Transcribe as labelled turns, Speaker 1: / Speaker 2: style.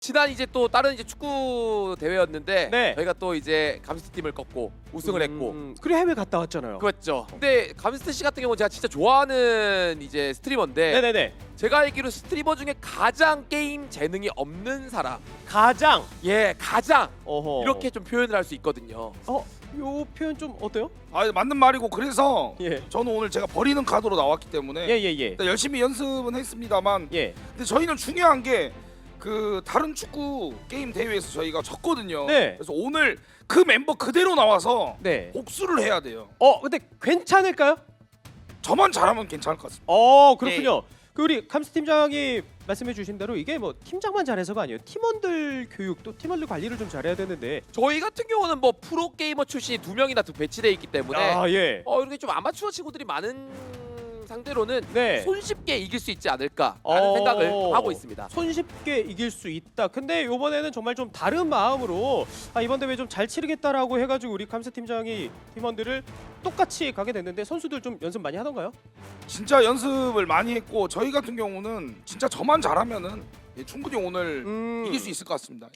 Speaker 1: 지난 이제 또 다른 이제 축구 대회였는데
Speaker 2: 네.
Speaker 1: 저희가 또 이제 감스트 팀을 꺾고 우승을 했고
Speaker 2: 그래 해외 갔다 왔잖아요.
Speaker 1: 그랬죠. 근데 감스트 씨 같은 경우는 제가 진짜 좋아하는 이제 스트리머인데
Speaker 2: 네네네.
Speaker 1: 제가 알기로 스트리머 중에 가장 게임 재능이 없는 사람,
Speaker 2: 가장
Speaker 1: 가장
Speaker 2: 어허.
Speaker 1: 이렇게 좀 표현을 할 수 있거든요.
Speaker 2: 요 표현 좀 어때요?
Speaker 3: 아 맞는 말이고 그래서
Speaker 2: 예.
Speaker 3: 저는 오늘 제가 버리는 카드로 나왔기 때문에
Speaker 2: 예예예.
Speaker 3: 일단 열심히 연습은 했습니다만
Speaker 2: 예.
Speaker 3: 근데 저희는 중요한 게 그 다른 축구 게임 대회에서 저희가 졌거든요.
Speaker 2: 네.
Speaker 3: 그래서 오늘 그 멤버 그대로 나와서
Speaker 2: 네.
Speaker 3: 복수를 해야 돼요.
Speaker 2: 근데 괜찮을까요?
Speaker 3: 저만 잘하면 괜찮을 것 같습니다.
Speaker 2: 그렇군요. 그 우리 감스 팀장이 말씀해 주신 대로 이게 뭐 팀장만 잘해서가 아니에요. 팀원들 교육 또 팀원들 관리를 좀 잘해야 되는데.
Speaker 1: 저희 같은 경우는 뭐 프로 게이머 출신이 2명이나 또 배치돼 있기 때문에
Speaker 2: 예.
Speaker 1: 이렇게 좀 아마추어 친구들이 많은 상대로는
Speaker 2: 네.
Speaker 1: 손쉽게 이길 수 있지 않을까라는 생각을 하고 있습니다.
Speaker 2: 손쉽게 이길 수 있다. 근데 이번에는 정말 좀 다른 마음으로 이번 대회 좀 잘 치르겠다라고 해가지고 우리 감스 팀장이 팀원들을 똑같이 가게 됐는데 선수들 좀 연습 많이 하던가요?
Speaker 3: 진짜 연습을 많이 했고 저희 같은 경우는 진짜 저만 잘하면은 충분히 오늘 이길 수 있을 것 같습니다.